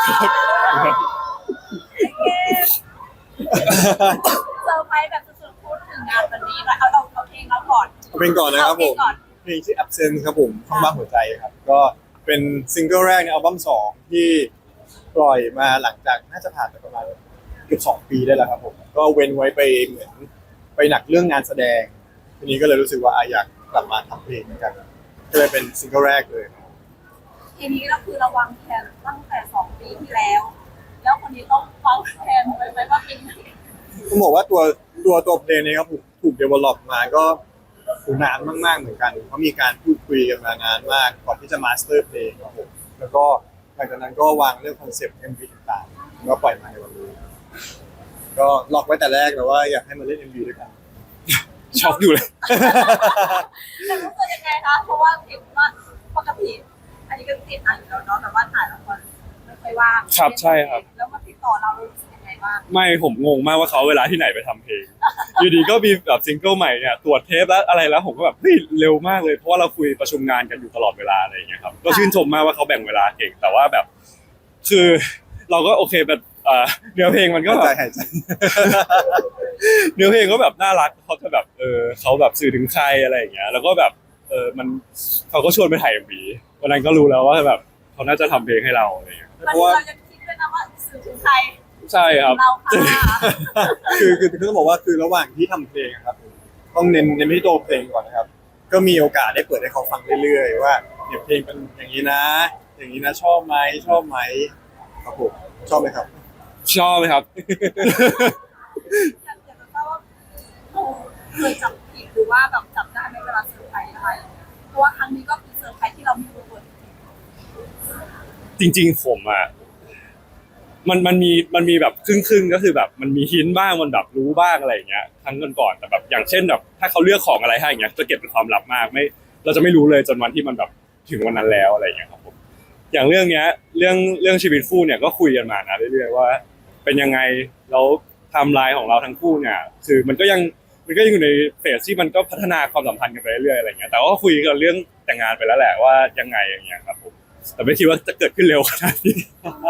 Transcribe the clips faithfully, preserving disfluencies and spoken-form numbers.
เซอร์ไพรส์แบบสุดๆพูดถึงงานวันนี้เอาเอาเอาเพลงเราก่อนเพลงก่อนนะครับผมเพลงชื่อ Absent ครับผมข้างบ้านหัวใจครับก็เป็นซิงเกิลแรกในอัลบั้มสองที่ปล่อยมาหลังจากน่าจะผ่านไปประมาณเกือบสองปีได้แล้วครับผมก็เว้นไว้ไปเหมือนไปหนักเรื่องงานแสดงทีนี้ก็เลยรู้สึกว่าอยากกลับมาทำเพลงเหมือนกันก็เลยเป็นซิงเกิลแรกเลยทีนี้ก็คือระวังแผนตั้งแต่สองปีที่แล้ว แล้วคนนี้ต้องฟังแผนไว้ไหมว่าเป็นต้องบอกว่าตัวตัวตัวเพลงนี้ครับถูกถูกเดเวลลอปมาก็ถูกนานมากๆเหมือนกันเพราะมีการพูดคุยกันมานานมากก่อนที่จะมาสเตอร์เพลงครับผมแล้วก็หลังจากนั้นก็วางเรื่องคอนเซปต์ เอ็ม วี ต่างๆแล้วก็ปล่อยมาในวันนี้ก็ล็อกไว้แต่แรกแล้วว่าอยากให้มาเล่น เอ็ม วี ด้วยกันช็อกอยู่เลยแต่รู้สึกยังไงคะเพราะว่าเห็นว่าปกติอันนี้ก็ติดอ่านอยู่แล้วเนาะแต่ว่าถ่ายละครไม่ค่อยว่างครับใช่ครับแล้วมาติดต่อเรารู้สึกยังไงบ้างไม่ผมงงมากว่าเขาเวลาที่ไหนไปทำเพลงอยู่ดีก็มีแบบซิงเกิลใหม่เนี่ยตรวจเทปแล้วอะไรแล้วผมก็แบบเฮ้ยเร็วมากเลยเพราะว่าเราคุยประชุมงานกันอยู่ตลอดเวลาอะไรอย่างเงี้ยครับก็ชื่นชมมากว่าเขาแบ่งเวลาเก่งแต่ว่าแบบคือเราก็โอเคแบบเนื้อเพลงมันก็ใจหายใจเนื้อเพลงก็แบบน่ารักเขาจะแบบเออเขาแบบสื่อถึงใครอะไรอย่างเงี้ยแล้วก็แบบเออมันเขาก็ชวนไปถ่าย เอ็ม วี วันนั้นก็รู้แล้วว่าแบบเขาน่าจะทำเพลงให้เราอะไรอย่างเงี้ยเพราะว่าเราจะคิดด้วยนะว่าสื่อถึงใครใช่ครับเราค่ะคือคือคือต้องบอกว่าคือระหว่างที่ทำเพลงครับต้องเน้นเน้นที่ตัวเพลงก่อนนะครับก็มีโอกาสได้เปิดให้เขาฟังเรื่อยๆว่าเนี่ยเพลงเป็นอย่างนี้นะ อย่างนี้นะชอบไหมชอบไหมครับผมชอบไหมครับชอบไหมครับอยากจะทราบว่าเคยจับผิดหรือว่าแบบจับได้ไหมเวลาเซอร์ไพรส์อะไรเพราะว่าครั้งนี้ก็คือเซอร์ไพรส์ที่เราไม่รู้ตัวจริงๆผมอ่ะมันมันมีมันมีแบบครึ่งๆก็คือแบบมันมีหินบ้างมันแบบรู้บ้างอะไรอย่างเงี้ยครั้งก่อนๆแต่แบบอย่างเช่นแบบถ้าเขาเลือกของอะไรให้อย่างเงี้ยจะเก็บเป็นความลับมากไม่เราจะไม่รู้เลยจนวันที่มันแบบถึงวันนั้นแล้วอะไรอย่างเงี้ยครับผมอย่างเรื่องเนี้ยเรื่องเรื่องชีวิตคู่เนี่ยก็คุยกันมานะเรื่อยๆว่าเป็นยังไงแล้วไทม์ไลน์ของเราทั้งคู่เนี่ยคือมันก็ยังมันก็ยังอยู่ในเฟสที่มันก็พัฒนาความสัมพันธ์กันไปเรื่อยๆอะไรเงี้ยแต่ว่าคุยกันเรื่องแต่งงานไปแล้วแหละว่ายังไงอย่างเงี้ยครับผมแต่ไม่คิดว่าจะเกิดขึ้นเร็วขนาดนี้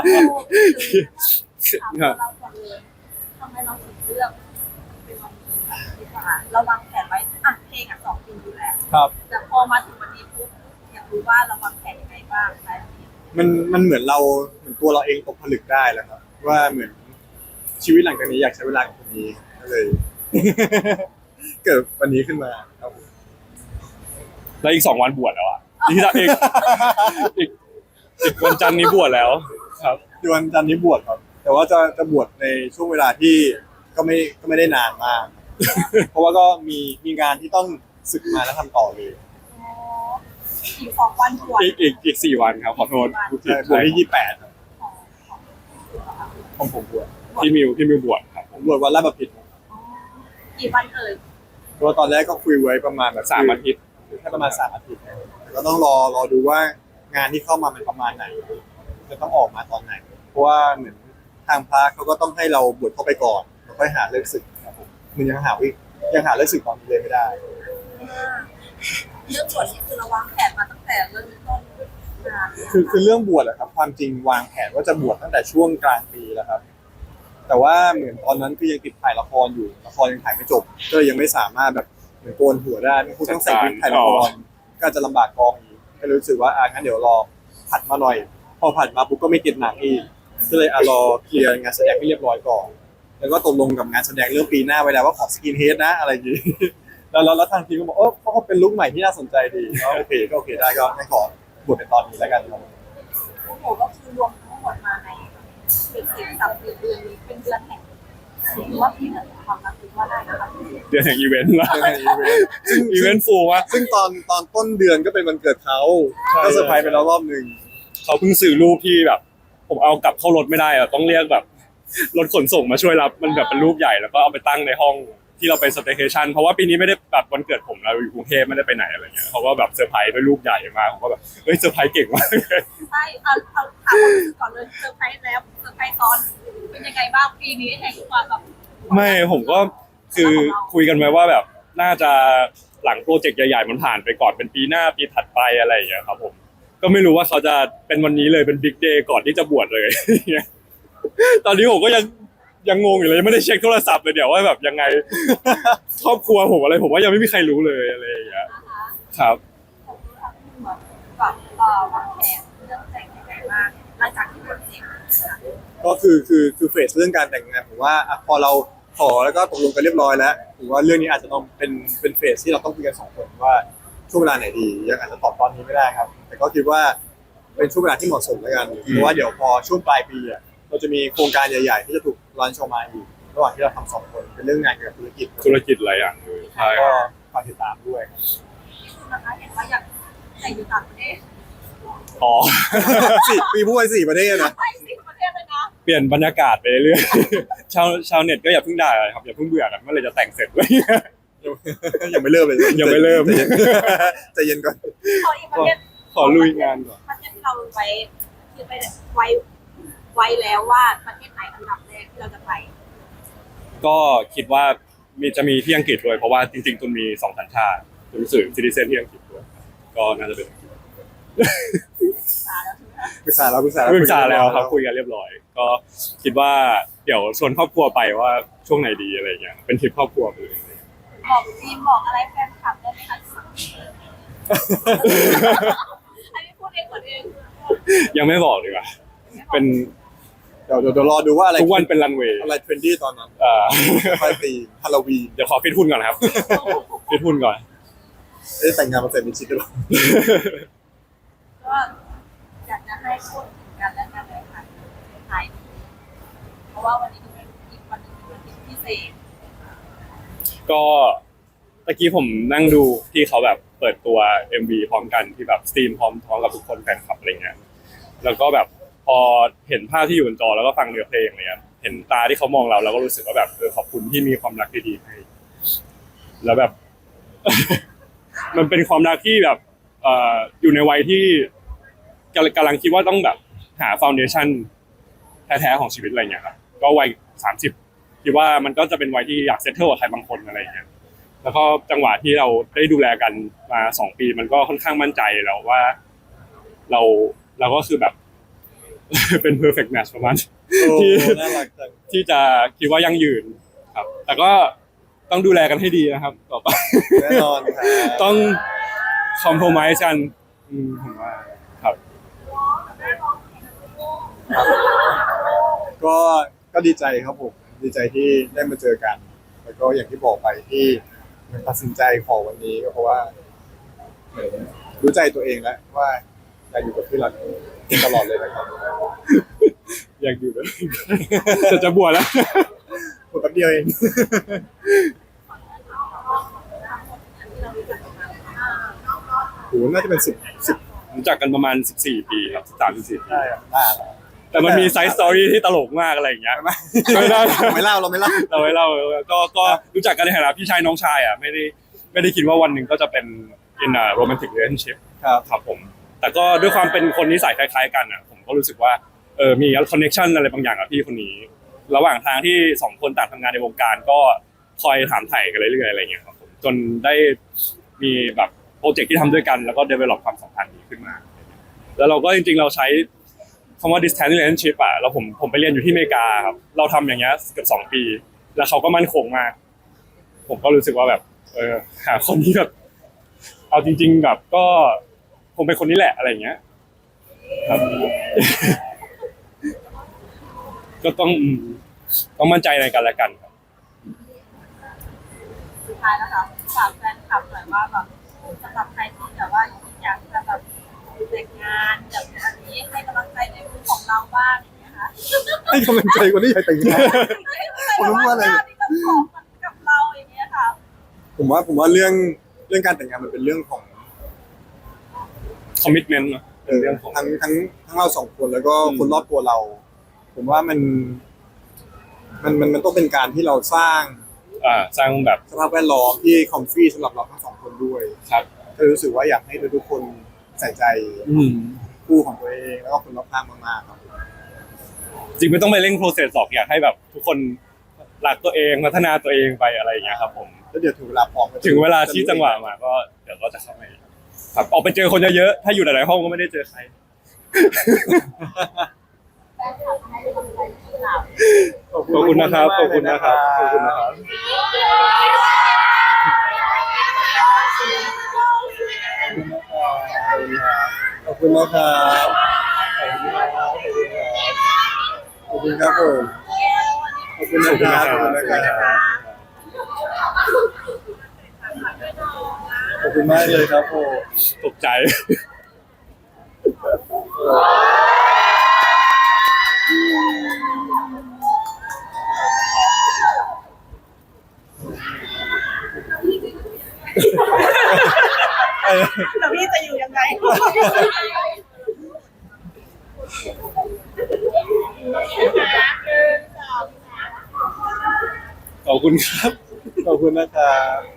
ถามเราก่อนเลยทำไมเราถึงเลือกเป็นวันนี้ดีกว่าเราวางแผนไว้อ่ะเพลงอ่ะสองปีอยู่แล้วครับแต่พอมาถึงวันนี้ปุ๊บอยากรู้ว่าเราวางแผนยังไงบ้างอะไรแบบนี้มันมันเหมือนเราเหมือนตัวเราเองตกผลึกได้แล้วครับว่าเหมือนชีวิตหลังจากนี้อยากใช้เวลากับคนนี้ก็เลยเกิดวันนี้ขึ้นมาครับแล้วอีกสองวันบวชแล้วอ่ะอีกอีกอีกวันจันทร์นี้บวชแล้วครับวันจันทร์นี้บวชครับแต่ว่าจะจะบวชในช่วงเวลาที่ก็ไม่ก็ไม่ได้นานมากเพราะว่าก็มีมีงานที่ต้องศึกมาแล้วทำต่อเลยอีกสองวันบวชอีกอีกอีกสี่วันครับขอโทษบวชที่ยี่สิบแปดครับของผมบวชพี่มิวพี่มิวบวชครับผมบวชวันแรกมาผิดกี่วันเอ่ยเพราะตอนแรกก็คุยไว้ประมาณแบบสามอาทิตย์แค่ประมาณสามอาทิตย์ก็ต้องรอรอดูว่างานที่เข้ามาเป็นประมาณไหนจะต้องออกมาตอนไหนเพราะว่าเหมือนทางพระเขาก็ต้องให้เราบวชเข้าไปก่อนแล้วค่อยหาเลิกศึกครับผมมันยังหาวิยังหาเลิกศึกตอนนี้เลยไม่ได้เรื่องบวชนี่คือเราวางแผนมาตั้งแต่เริ่มต้นงานคือคือเรื่องบวชอะครับความจริงวางแผนว่าจะบวชตั้งแต่ช่วงกลางปีแล้วครับแต่ว่าเหมือนตอนนั้นคือยังติดถ่ายละครอยู่ละครยังถ่ายไม่จบก็ยังไม่สามารถแบบเหมือนโกนหัวได้ไม่ต้องใส่วิกถ่ายละครก็จะลำบากกองอีกก็รู้สึกว่าอ่ะงั้นเดี๋ยวรอผัดมาหน่อยพอผัดมาปุ๊บก็ไม่ติดหนังอีกก็เลยอ่ะรอเคลียร์งานแสดงให้เรียบร้อยก่อนแล้วก็ตกลงกับงานแสดงเรื่องปีหน้าไว้แล้วว่าขอสกินเฮดนะอะไรอย่างนี้แล้วแล้วทางทีมก็บอกเออเขาก็เป็นลุคใหม่ที่น่าสนใจดีก็โอเคก็โอเคได้ก็ให้ขอบวชในตอนนี้แล้วกันครับโอ้โหก็คือรวมทั้งหมดมาในเป็นสิบสัปดาห์เดือนนี้เป็นเดือนแห่งหรือว่าพี่เหมือนความรักว่าได้นะคะเดือนแห่งอีเวนต์ละซึ่งอีเวนต์ฟูมากซึ่งตอนตอนต้นเดือนก็เป็นวันเกิดเขาก็เซอร์ไพรส์ไปแล้วรอบหนึ่งเขาเพิ่งสื่อรูปที่แบบผมเอากลับเข้ารถไม่ได้อะต้องเรียกแบบรถขนส่งมาช่วยรับมันแบบเป็นรูปใหญ่แล้วก็เอาไปตั้งในห้องที่เราไปสเตย์เคชั่นเพราะว่าปีนี้ไม่ได้แบบวันเกิดผมเราอยู่กรุงเทพไม่ได้ไปไหนอะไรเงี้ยเขาก็แบบเซอร์ไพรส์ด้วยรูปใหญ่มาผมก็แบบเฮ้ยเซอร์ไพรส์เก่งมากใช่เอาเอาถามก่อนเลยเซอร์ไพรส์แล้วเซอร์ไพรส์ตอนเป็นยังไงบ้างปีนี้แห่งความแบบไม่ผมก็คือคุยกันไว้ว่าแบบน่าจะหลังโปรเจกต์ใหญ่ๆมันผ่านไปก่อนเป็นปีหน้าปีถัดไปอะไรอย่างเงี้ยครับผมก็ไม่รู้ว่าเขาจะเป็นวันนี้เลยเป็นบิ๊กเดย์ก่อนที่จะบวชเลย ตอนนี้ผมก็ยังยังงงอยู่เลยยังไม่ได้เช็คโทรศัพท์เลยเดี๋ยวว่าแบบยังไง ครอบครัวผมอะไรผมว่ายังไม่มีใครรู้เลยอะไรอย่างเงี้ยนะคะครับผมรู้ทั้งหมดก่อนเอ่อวางแผนเรื่องแต่งยังไงบ้างหลังจากที่บวชเสร็จนะคะก็คือคือคือเฟสเรื่องการแต่งงานผมว่าอ่ะพอเราขอแล้วก็ตกลงกันเรียบร้อยแล้วผมว่าเรื่องนี้อาจจะต้องเป็นเป็นเฟสที่เราต้องคุยกันสองคนว่าช่วงเวลาไหนดียังอาจจะตอบตอนนี้ไม่ได้ครับ แต่ก็คิดว่าเป็นช่วงเวลาที่เหมาะสมแล้วกันเพราะว่าเดี๋ยวพอช่วงปลายปีอ่ะเราจะมีโครงการใหญ่ๆที่จะถูกรันชออกมาอีกระหว่างที่เราทำสองคนเป็นเรื่องงานเกี่ยวกับธุรกิจธุรกิจหลายอย่างเลยใช่คก็รับฝากติดตามด้วยครับที่คุณนะคะเห็นว่าอยากแต่งอยู่ต่างประเทศอ๋อสี่ปีพูดไปสี่ประเทศนะไปสิประเทศเลยนะเปลี่ยนบรรยากาศไปเรื่อยๆ ชาวชาวเน็ตก็อย่าเพิ่งด่าครับอย่าเพิ่งเบื่อกันเมื่อไหรจะแต่งเสร็จเลยยังไม่เริ่มเลยยังไม่เริ่มใจเย็นใจเย็นก่อนขออีกประเทศขอลุยงานก่อนประเทศที่เราไว้คือไปไว้ไว้แล้วว่าประเทศไหนอันดับแรกที่เราจะไปก็คิดว่ามีจะมีที่อังกฤษด้วยเพราะว่าจริงๆตุนมีสองสัญชาติตุนรู้สึกซิติเซนที่อังกฤษด้วยก็น่าจะเป็นศึกษาแล้วใช่ไหมคะปรึกษาแล้วปรึกษาปรึกษาแล้วครับคุยกันเรียบร้อย ก็คิดว่าเดี๋ยวชวนครอบครัวไปว่าช่วงไหนดีอะไรเงี้ยเป็นทริปครอบครัวไปเลยบอกทีมบอกอะไรแฟนคลับได้ไหมคะอันนี้พูดเองคนเองยังไม่บอกดีกว่าเป็นเดี๋ยวเดี๋ยวเดี๋ยวรอดูว่าอะไรทุกวันเป็นรันเวย์อะไรเทรนดี้ตอนนั้นเอ่อปลายปีฮาโลวีนเดี๋ยวขอฟิตหุ่นก่อนครับฟิตหุ่นก่อนเอ๊ะแต่งงานมาเสร็จมีชิดหรือเปล่าก็อยากจะให้พูดถึงกันและกันเลยค่ะท้ายนี้เพราะว่าวันนี้เป็นอีกวันหนึงเป็นวันที่พิเศษก็ตะกี้ผมนั่งดูที่เขาแบบเปิดตัว เอ็ม วี พร้อมกันที่แบบสตรีมพร้อมพร้อมกับทุกคนแฟนคลับอะไรเงี้ยแล้วก็แบบพอเห็นภาพที่อยู่บนจอแล้วก็ฟังเนื้อเพลงอะไรเงี้ยเห็นตาที่เขามองเราเราก็รู้สึกว่าแบบเออขอบคุณที่มีความรักดีๆให้แล้วแบบ มันเป็นความรักที่แบบเอ่ออยู่ในวัยที่กำลังกำลังคิดว่าต้องแบบหาฟ u วเดชั่นแท้ๆของชีวิตอะไรเงี้ยครับก็วัยสามสิบคิดว่ามันก็จะเป็นวัยที่อยากเซตเทิลกับใครบางคนอะไรเงี้ยแล้วก็จังหวะที่เราได้ดูแลกันมาสองปีมันก็ค่อนข้างมั่นใจแล้วว่า เราเราก็คือแบบ เป็น perfect match ประมาณโอ้ที่น่ารักจังที่จะคิดว่ายั่งยืนครับ แต่ก็ต้องดูแลกันให้ดีนะครับ ต่อไปแน่นอนครับต้องคอมโพมไ s e กันอืมผมว่าครับก็ก็ดีใจครับผมดีใจที่ได้มาเจอกัน แล้วก็อย่างที่บอกไปที่มันตัดสินใจขอวันนี้ก็เพราะว่าเหมือนรู้ใจตัวเองแล้วว่าอยากอยู่กับพี่หลักตลอดเลยนะครับอยากอยู่ด้วย จะจะบวชแล้วหมดแป๊บเดียวเอง โหน่าจะเป็นสิบสิบรู้จักกันประมาณสิบสี่ปีครับสามสิบสี่ได้ครับได้ครับแต่มันมีไซส์สตอรี่ที่ตลกมากอะไรอย่างเงี้ยไม่ไม่ได้ไม่เล่าเราไม่เล่าเราไว้เล่าก็ก็รู้จักกันในฐานะพี่ชายน้องชายอ่ะไม่ได้ไม่ได้คิดว่าวันหนึ่งก็จะเป็น in a romantic relationship ครับครับผม แต่ก็ด้วยความเป็นคนนิสัยคล้ายๆกันอ่ะผมก็รู้สึกว่าเออมีคอนเนคชันอะไรบางอย่างกับพี่คนนี้ ระหว่างทางที่สองคนต่างทำงานในวงการก็คอยถามไถ่กันเรื่อยๆอะไรอย่างเงี้ยครับผมจนได้มีแบบโปรเจกต์ที่ทำด้วยกันแล้วก็ develop ความสัมพันธ์นี้ขึ้นมา แล้วเราก็จริงๆเราใช้คำว่า distance relationship อ่ะแล้วผมผมไปเรียนอยู่ที่อเมริกาครับเราทำอย่างเงี้ยเกือบสองปี แล้วเขาก็มั่นคงมาก ผมก็รู้สึกว่าแบบ เออหาคนที่แบบเอาจริง ๆ แบบก็คงเป็นคนนี้แหละอะไรอย่างเงี้ยครับ ก็ต้องอืมต้องมั่นใจในกันและกันครับสุดท้ายแล้วค่ะฝากแฟนคลับหน่อยว่าแบบสำหรับใครที่แบบว่าอยากจะแบบแต่งงานแบบอันนี้ให้กำลังใจในมุมของเราบ้างอย่างเงี้ยค่ะให้กำลังใจคนที่อยากแต่งงาน ผมรู้ว่าอะไรที่จะขอกับเราอย่างเงี้ยค่ะผมว่าผมว่าเรื่องเรื่องการแต่งงานมันเป็นเรื่องของ commitment เนอะเออเรื่องของทั้งทั้งทั้งเราสองคนแล้วก็อืมคนรอบตัวเรา ผมว่ามันมันมันมันต้องเป็นการที่เราสร้างอ่าสร้างแบบสภาพแวดล้อมที่คอมฟี่สำหรับเราทั้งสองคนด้วยครับก็รู้สึกว่าอยากให้ทุกๆคนใส่ใจอืมคู่ของตัวเองแล้วก็คนรอบข้างมากๆครับจริงไม่ต้องไปเร่ง process หรอกอยากให้แบบ ทุกคนรักตัวเองพัฒนาตัวเองไปอะไรอย่างเงี้ยครับผมแล้วเดี๋ยวถึงเวลาพร้อมก็ถึงเวลาที่จังหวะมาก็เดี๋ยวก็จะเข้ามาครับออกไปเจอคนเยอะๆถ้าอยู่หลายๆห้องก็ไม่ได้เจอใครแฟนคลับให้กำลังใจที่เราขอบคุณนะครับ ขอบคุณนะครับ ขอบคุณนะครับขอบคุณนะครับขอบคุณครับผมขอบคุณนะครับขอบคุณนะครับขอบคุณมากเลยครับผมตกใจแล้วพี่จะอยู่ยังไงขอบคุณครับขอบคุณนะครับ